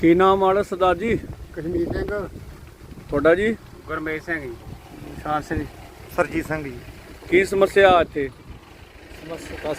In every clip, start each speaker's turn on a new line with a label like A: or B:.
A: ਕੀ ਨਾਮ ਆਲਾ ਸਰਦਾਰ ਜੀ?
B: ਕਸ਼ਮੀਰ ਸਿੰਘ।
A: ਤੁਹਾਡਾ ਜੀ?
B: ਗੁਰਮੇਸ਼ ਸਿੰਘ ਜੀ। ਸ਼ਾਨ ਸਿੰਘ, ਸਰਜੀਤ ਸਿੰਘ ਜੀ।
A: ਕੀ ਸਮੱਸਿਆ ਇੱਥੇ?
B: ਸਮੱਸਿਆ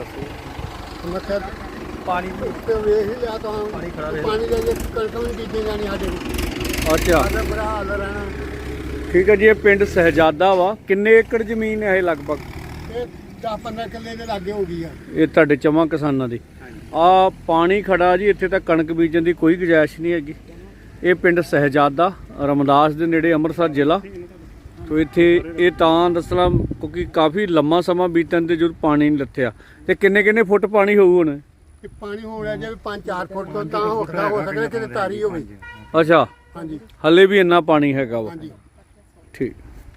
B: ਪਾਣੀ ਉੱਤੇ ਵੇਖ ਹੀ ਲਿਆ ਤਾਂ ਪਾਣੀ ਦਾ ਕਣਕਾਂ ਵੀ ਬੀਜੀਆਂ ਜਾਣੀ ਸਾਡੇ
A: ਅੱਛਾ,
B: ਸਾਡਾ ਬੁਰਾ ਹਾਲ ਰਹਿਣਾ।
A: ਠੀਕ ਹੈ ਜੀ। ਇਹ ਪਿੰਡ ਸਹਿਜਾਦਾ ਵਾ, ਕਿੰਨੇ ਏਕੜ ਜ਼ਮੀਨ ਹੈ ਇਹ ਲਗਭਗ?
B: ਇਹ 10-15 ਕਿੱਲੇ ਦੇ ਲਾਗੇ ਹੋ ਗਈ ਆ।
A: ਇਹ ਤੁਹਾਡੇ ਚਵਾਂ ਕਿਸਾਨਾਂ ਦੀ। ਆ ਪਾਣੀ ਖੜਾ ਜੀ, ਇੱਥੇ ਤਾਂ ਕਣਕ ਬੀਜਣ ਦੀ ਕੋਈ ਗੁੰਜਾਇਸ਼ ਨਹੀਂ ਹੈਗੀ। ਇਹ ਪਿੰਡ ਸਹਿਜਾਦਾ ਰਮਦਾਸ ਦੇ ਨੇੜੇ, ਅੰਮ੍ਰਿਤਸਰ ਜ਼ਿਲ੍ਹਾ। ਤੋ ਇੱਥੇ ਇਹ ਤਾਂ ਦੱਸਣਾ ਕਿਉਂਕਿ ਕਾਫੀ ਲੰਮਾ ਸਮਾਂ ਬੀਤਣ ਤੇ ਜਦੋਂ ਪਾਣੀ ਨਹੀਂ ਲੱਥਿਆ। ਤੇ ਕਿੰਨੇ ਫੁੱਟ ਪਾਣੀ ਹੋਊ ਹੁਣ?
B: ਇਹ ਪਾਣੀ ਹੋ ਰਿਹਾ ਜੇ 5-4 ਫੁੱਟ ਤੋਂ ਤਾਂ ਹੋ ਸਕਦਾ ਕਿ ਤਾਰੀ ਹੋਵੇ।
A: ਅੱਛਾ,
B: ਹਾਂਜੀ,
A: ਹਲੇ ਵੀ ਇੰਨਾ ਪਾਣੀ ਹੈਗਾ ਵਾ।
B: ਹਾਂਜੀ।
A: ਠੀਕ।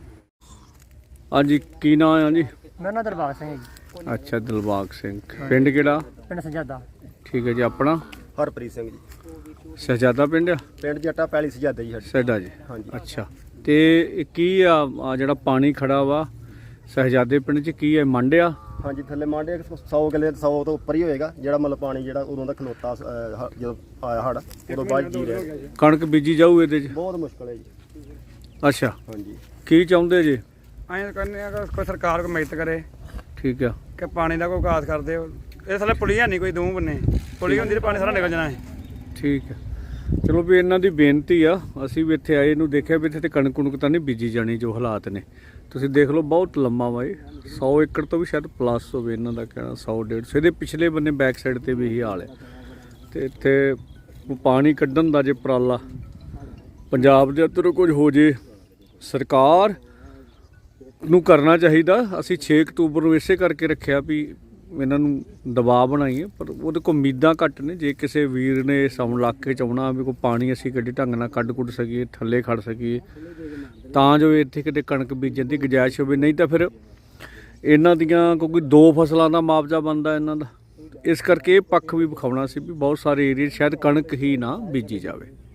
A: ਹਾਂਜੀ, ਕੀ ਨਾਮ ਹੈ ਜੀ?
C: ਮੇਰਾ ਨਾਮ ਦਿਲਬਾਗ ਸਿੰਘ ਹੈ ਜੀ।
A: ਅੱਛਾ, ਦਿਲਬਾਗ ਸਿੰਘ। ਪਿੰਡ ਕਿਹੜਾ?
C: ਪਿੰਡ ਸਜਾਦਾ।
A: ਠੀਕ ਹੈ ਜੀ। ਆਪਣਾ?
B: ਹਰਪ੍ਰੀਤ ਸਿੰਘ ਜੀ।
A: ਸਹਿਜਾਦਾ ਪਿੰਡ ਆ?
B: ਪਿੰਡ ਜੱਟਾ ਪੈਲੀ ਸਜਾਦਾ ਜੀ ਸਾਡੀ।
A: ਸਹਿਡਾ ਜੀ।
B: ਹਾਂਜੀ।
A: ਅੱਛਾ, ਤੇ ਇਹ ਕੀ ਆ ਜਿਹੜਾ ਪਾਣੀ ਖੜਾ ਵਾ ਸਹਿਜਾਦੇ ਪਿੰਡ 'ਚ, ਕੀ ਹੈ? ਮੰਡ ਆ?
B: ਹਾਂਜੀ, ਥੱਲੇ ਮਾਂਡੇ 100 ਕਿੱਲੇ 100 ਤੋਂ ਉੱਪਰ ਹੀ ਹੋਏਗਾ। ਜਿਹੜਾ ਮਤਲਬ ਪਾਣੀ ਜਿਹੜਾ ਉਦੋਂ ਦਾ ਖਲੋਤਾ ਜਦੋਂ ਆਇਆ ਹੜ ਉਦੋਂ ਬਾਅਦ ਜੀ ਰਿਹਾ।
A: ਕਣਕ ਬੀਜੀ ਜਾਊ ਇਹਦੇ 'ਚ?
B: ਬਹੁਤ ਮੁਸ਼ਕਲ ਹੈ ਜੀ।
A: ਅੱਛਾ,
B: ਹਾਂਜੀ।
A: ਕੀ ਚਾਹੁੰਦੇ ਜੀ?
D: ਐਂ ਕਹਿੰਦੇ ਆ ਕਿ ਕੋਈ ਸਰਕਾਰ ਕੋਈ ਮਦਦ ਕਰੇ
A: ਠੀਕ ਆ।
D: ਕਿ ਪਾਣੀ ਦਾ ਕੋਈ ਕਾਸ ਕਰਦੇ ਹੋ। ਇਹ ਥੱਲੇ ਪੁਲੀ ਹੈ ਨਹੀਂ ਕੋਈ, ਦੋ ਬੰਨੇ ਪੁਲੀ ਹੁੰਦੀ ਤੇ ਪਾਣੀ ਸਾਰਾ ਨਿਕਲ ਜਾਣਾ ਹੈ।
A: ਠੀਕ ਆ, ਚਲੋ ਵੀ ਇਹਨਾਂ ਦੀ ਬੇਨਤੀ ਆ। ਅਸੀਂ ਵੀ ਇੱਥੇ ਆਏ ਨੂੰ ਦੇਖਿਆ ਵੀ ਇੱਥੇ ਤੇ ਕਣਕ ਕੁਣਕ ਤਾਂ ਨਹੀਂ ਬੀਜੀ ਜਾਣੀ ਜੋ ਹਾਲਾਤ ਨੇ। ਤੁਸੀਂ ਦੇਖ ਲਓ ਬਹੁਤ ਲੰਮਾ ਵਾ ਇਹ, 100 ਏਕੜ ਤੋਂ ਵੀ ਸ਼ਾਇਦ ਪਲੱਸ ਹੋਵੇ ਇਹਨਾਂ ਦਾ ਕਹਿਣਾ, 100-150। ਇਹਦੇ ਪਿਛਲੇ ਬੰਨੇ ਬੈਕ ਸਾਈਡ ਤੇ ਵੀ ਇਹੀ ਹਾਲ ਹੈ। ਤੇ ਇੱਥੇ ਪਾਣੀ ਕੱਢਣ ਦਾ ਜੇ ਉਪਰਾਲਾ ਪੰਜਾਬ ਦੇ ਅੰਦਰ ਕੁਝ ਹੋ ਜੇ, ਸਰਕਾਰ ਨੂੰ ਕਰਨਾ ਚਾਹੀਦਾ। ਅਸੀਂ 6 ਅਕਤੂਬਰ ਨੂੰ ਇਸੇ ਕਰਕੇ ਰੱਖਿਆ ਵੀ ਇਹਨਾਂ ਨੂੰ ਦਬਾਅ ਬਣਾਈਏ, ਪਰ ਉਹਦੇ ਕੋਲ ਉਮੀਦਾਂ ਘੱਟ ਨੇ। ਜੇ ਕਿਸੇ ਵੀਰ ਨੇ ਸੌਣ ਇਲਾਕੇ 'ਚ ਆਉਣਾ ਵੀ ਕੋਈ ਪਾਣੀ ਅਸੀਂ ਗੱਡੀ ਢੰਗ ਨਾਲ ਕੱਢ ਕੁੱਢ ਸਕੀਏ, ਥੱਲੇ ਖੜ ਸਕੀਏ, ਤਾਂ ਜੋ ਇੱਥੇ ਕਿਤੇ ਕਣਕ ਬੀਜਣ ਦੀ ਗੁੰਜਾਇਸ਼ ਹੋਵੇ। ਨਹੀਂ ਤਾਂ ਫਿਰ ਇਹਨਾਂ ਦੀਆਂ ਕਿਉਂਕਿ 2 ਫਸਲਾਂ ਦਾ ਮੁਆਵਜ਼ਾ ਬਣਦਾ ਇਹਨਾਂ ਦਾ, ਇਸ ਕਰਕੇ ਇਹ ਪੱਖ ਵੀ ਵਿਖਾਉਣਾ ਸੀ ਵੀ ਬਹੁਤ ਸਾਰੇ ਏਰੀਏ ਸ਼ਾਇਦ ਕਣਕ ਹੀ ਨਾ ਬੀਜੀ ਜਾਵੇ।